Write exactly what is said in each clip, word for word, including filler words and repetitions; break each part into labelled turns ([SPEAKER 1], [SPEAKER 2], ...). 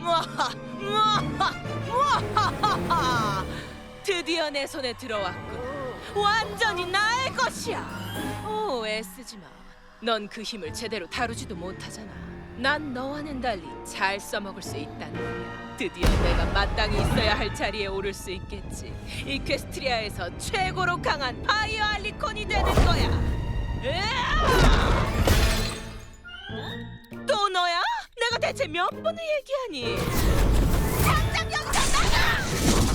[SPEAKER 1] 무아하, 무아하, 무아하하하. 드디어 내 손에 들어왔군. 완전히 나의 것이야. 오, 애쓰지 마. 넌 그 힘을 제대로 다루지도 못하잖아. 난 너와는 달리 잘 써먹을 수 있다는 거야. 드디어 내가 마땅히 있어야 할 자리에 오를 수 있겠지. 이퀘스트리아에서 최고로 강한 파이어 알리콘이 되는 거야. 으아! 또 너야? 내가 대체 몇 번을 얘기하니? 당장 여기서 나가!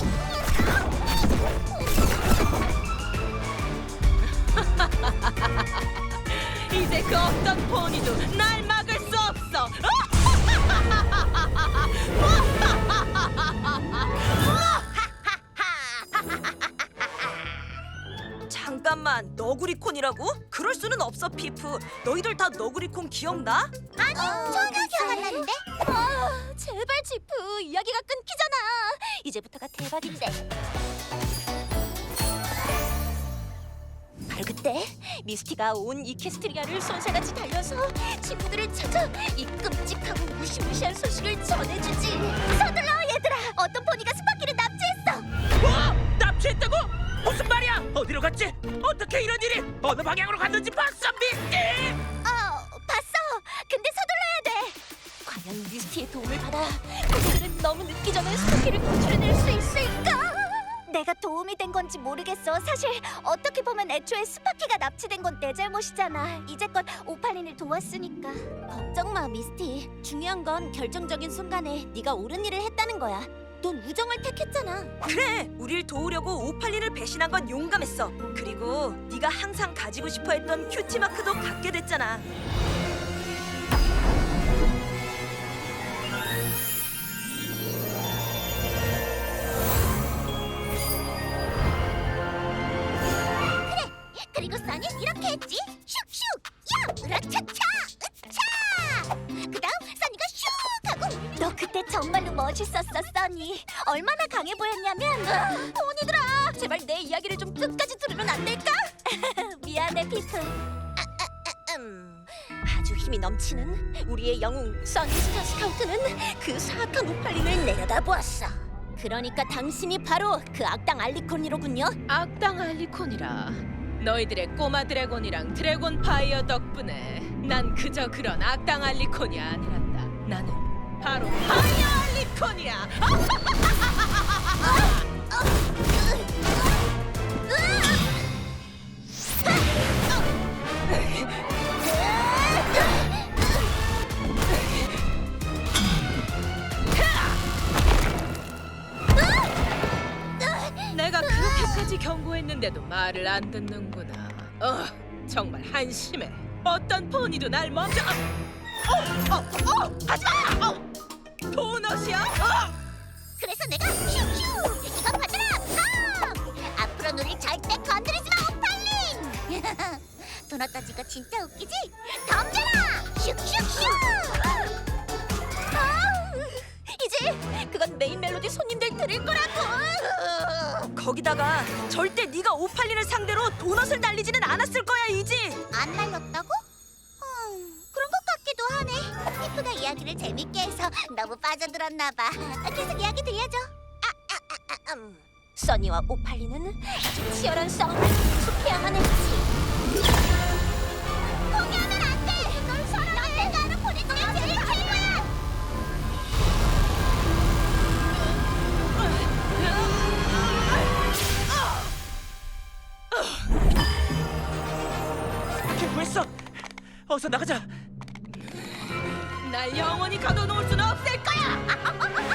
[SPEAKER 1] 이제 그 어떤 포니도 날 막을 수 없어.
[SPEAKER 2] 잠깐만, 너구리콘이라고? 그럴 수는 없어, 피프. 너희들 다 너구리콘 기억나?
[SPEAKER 3] 아니, 전혀 기억 안 나는데? 아, 제발 지프, 이야기가 끊기잖아. 이제부터가 대박인데. 바로 그때 미스티가 온 이퀘스트리아를 손살같이 달려서 친구들을 찾아 이 끔찍하고 무시무시한 소식을 전해주지. 서둘러, 얘들아. 어떤 포니가 스파키를 납치했어.
[SPEAKER 4] 뭐? 납치했다고? 무슨 말이야? 어디로 갔지? 어떻게 이런 일이? 어느 방향으로 갔는지 봤어, 미스티?
[SPEAKER 3] 어, 봤어. 근데 서둘러야 돼. 과연 미스티의 도움을 받아 포니들은 너무 늦기 전에 스파키를 구출해낼 수 있을까? 내가 도움이 된 건지 모르겠어. 사실 어떻게 보면 애초에 스파키가 납치된 건 내 잘못이잖아. 이제껏 오팔린을 도왔으니까. 걱정 마, 미스티. 중요한 건 결정적인 순간에 네가 옳은 일을 했다는 거야. 넌 우정을 택했잖아.
[SPEAKER 2] 그래, 우릴 도우려고 오팔린을 배신한 건 용감했어. 그리고 네가 항상 가지고 싶어했던 큐티마크도 갖게 됐잖아.
[SPEAKER 3] 그리고 써니 이렇게 했지. 슉슉, 야, 으라차차, 으차. 그다음 써니가 슉 하고. 너 그때 정말로 멋있었어, 써니. 얼마나 강해 보였냐면. 으아, 포니들아, 제발 내 이야기를 좀 끝까지 들으면 안 될까? 미안해, 피프. 아, 아, 아, 음. 아주 힘이 넘치는 우리의 영웅 써니스타 스카우트는 그 사악한 오팔린을 내려다보았어. 그러니까 당신이 바로 그 악당 알리콘이로군요.
[SPEAKER 1] 악당 알리콘이라. 너희들의 꼬마 드래곤이랑 드래곤 파이어 덕분에 난 그저 그런 악당 알리콘이 아니란다. 나는 바로 파이어 알리콘이야. 내가 그렇게까지 경고했는데도 말을 안 듣는구나. 어, 정말 한심해. 어떤 포니도 날 먼저. 어, 어, 어, 하지마! 어, 도넛이야? 어!
[SPEAKER 3] 그래서 내가 슈슈 이거 받으라 팡! 앞으로 우릴 절대 건드리지 마, 오팔린! 도넛 던지거 진짜 웃기지? 덤벼라! 슉슉슉! 아, 이제 그건 메인 멜로디 손님들 들을 거라고!
[SPEAKER 2] 거기다가 절대 네가 오팔린을 상대로 도넛을 날리지는 않았을 거야, 이지.
[SPEAKER 3] 안 날렸다고? 음, 그런 것 같기도 하네. 피프가 이야기를 재밌게 해서 너무 빠져들었나 봐. 계속 이야기 들려줘. 아, 아, 아, 아, 음. 써니와 오팔리는 아주 치열한 싸움을 계속해야만 했지. 포기하면 안 돼. 널 사랑해. 내가 아는 포니 중에 제일 최고야.
[SPEAKER 4] 개구했어. 어서 나가자.
[SPEAKER 1] 날 영원히 가둬놓을 수는 없을 거야.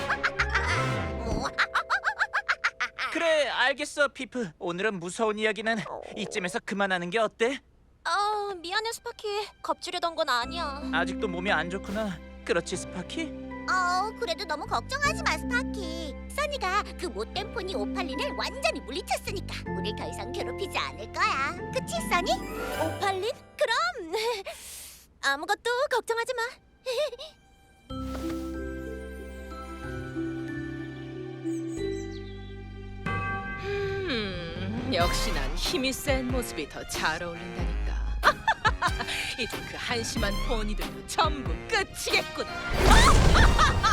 [SPEAKER 4] 그래, 알겠어, 피프. 오늘은 무서운 이야기는 이쯤에서 그만하는 게 어때?
[SPEAKER 3] 아, 미안해, 스파키. 겁주려던 건 아니야.
[SPEAKER 4] 아직도 몸이 안 좋구나. 그렇지, 스파키?
[SPEAKER 3] 어, 그래도 너무 걱정하지 마, 스파키. 써니가 그 못된 포니 오팔린을 완전히 물리쳤으니까 우릴 더 이상 괴롭히지 않을 거야. 그치, 써니? 오팔린? 그럼 아무것도 걱정하지 마.
[SPEAKER 1] 음, 역시 난 힘이 센 모습이 더 잘 어울린다니까. 이제 그 한심한 포니들도 전부 끝이겠구나.